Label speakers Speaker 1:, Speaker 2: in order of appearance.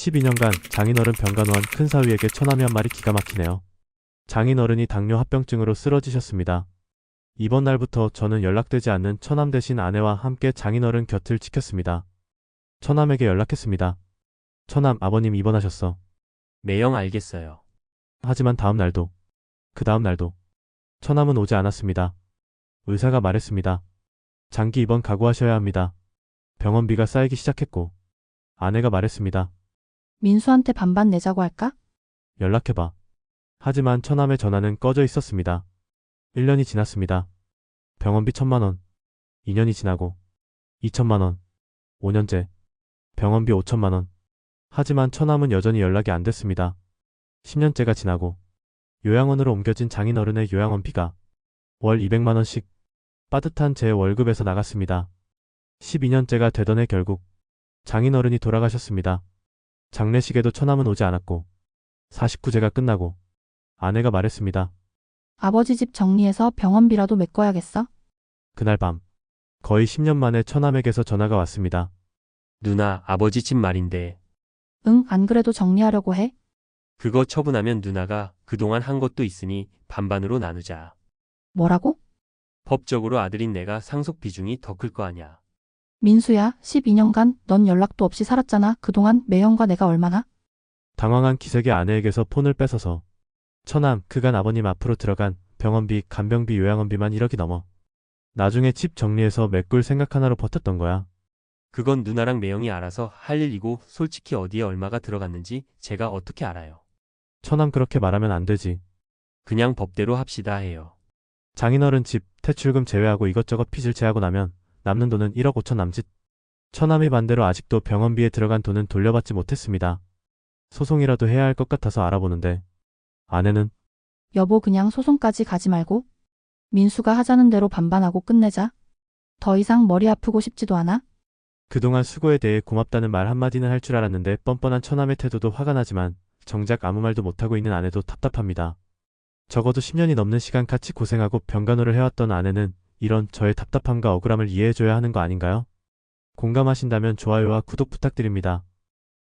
Speaker 1: 12년간 장인어른 병간호한 큰 사위에게 처남이 한 말이 기가 막히네요. 장인어른이 당뇨 합병증으로 쓰러지셨습니다. 이번 날부터 저는 연락되지 않는 처남 대신 아내와 함께 장인어른 곁을 지켰습니다. 처남에게 연락했습니다. 처남, 아버님 입원하셨어.
Speaker 2: 매영 알겠어요.
Speaker 1: 하지만 다음 날도, 그 다음 날도 처남은 오지 않았습니다. 의사가 말했습니다. 장기 입원 각오하셔야 합니다. 병원비가 쌓이기 시작했고 아내가 말했습니다.
Speaker 3: 민수한테 반반 내자고 할까?
Speaker 1: 연락해봐. 하지만 처남의 전화는 꺼져 있었습니다. 1년이 지났습니다. 병원비 1,000만 원. 2년이 지나고 2천만 원. 5년째. 병원비 5천만 원. 하지만 처남은 여전히 연락이 안 됐습니다. 10년째가 지나고 요양원으로 옮겨진 장인어른의 요양원비가 월 200만 원씩 빠듯한 제 월급에서 나갔습니다. 12년째가 되던 해 결국 장인어른이 돌아가셨습니다. 장례식에도 처남은 오지 않았고 49제가 끝나고 아내가 말했습니다.
Speaker 3: 아버지 집 정리해서 병원비라도 메꿔야겠어?
Speaker 1: 그날 밤 거의 10년 만에 처남에게서 전화가 왔습니다.
Speaker 2: 누나, 아버지 집 말인데
Speaker 3: 응, 안 그래도 정리하려고 해.
Speaker 2: 그거 처분하면 누나가 그동안 한 것도 있으니 반반으로 나누자.
Speaker 3: 뭐라고?
Speaker 2: 법적으로 아들인 내가 상속 비중이 더 클 거 아냐.
Speaker 3: 민수야, 12년간 넌 연락도 없이 살았잖아. 그동안 매형과 내가 얼마나?
Speaker 1: 당황한 기색의 아내에게서 폰을 뺏어서 처남, 그간 아버님 앞으로 들어간 병원비, 간병비, 요양원비만 1억이 넘어. 나중에 집 정리해서 메꿀 생각 하나로 버텼던 거야.
Speaker 2: 그건 누나랑 매영이 알아서 할 일이고 솔직히 어디에 얼마가 들어갔는지 제가 어떻게 알아요.
Speaker 1: 처남 그렇게 말하면 안 되지.
Speaker 2: 그냥 법대로 합시다 해요.
Speaker 1: 장인어른 집, 대출금 제외하고 이것저것 빚을 제하고 나면 남는 돈은 1억 5천 남짓. 처남이 반대로 아직도 병원비에 들어간 돈은 돌려받지 못했습니다. 소송이라도 해야 할 것 같아서 알아보는데 아내는
Speaker 3: 여보, 그냥 소송까지 가지 말고 민수가 하자는 대로 반반하고 끝내자. 더 이상 머리 아프고 싶지도 않아?
Speaker 1: 그동안 수고에 대해 고맙다는 말 한마디는 할 줄 알았는데 뻔뻔한 처남의 태도도 화가 나지만 정작 아무 말도 못하고 있는 아내도 답답합니다. 적어도 10년이 넘는 시간 같이 고생하고 병간호를 해왔던 아내는 이런 저의 답답함과 억울함을 이해해줘야 하는 거 아닌가요? 공감하신다면 좋아요와 구독 부탁드립니다.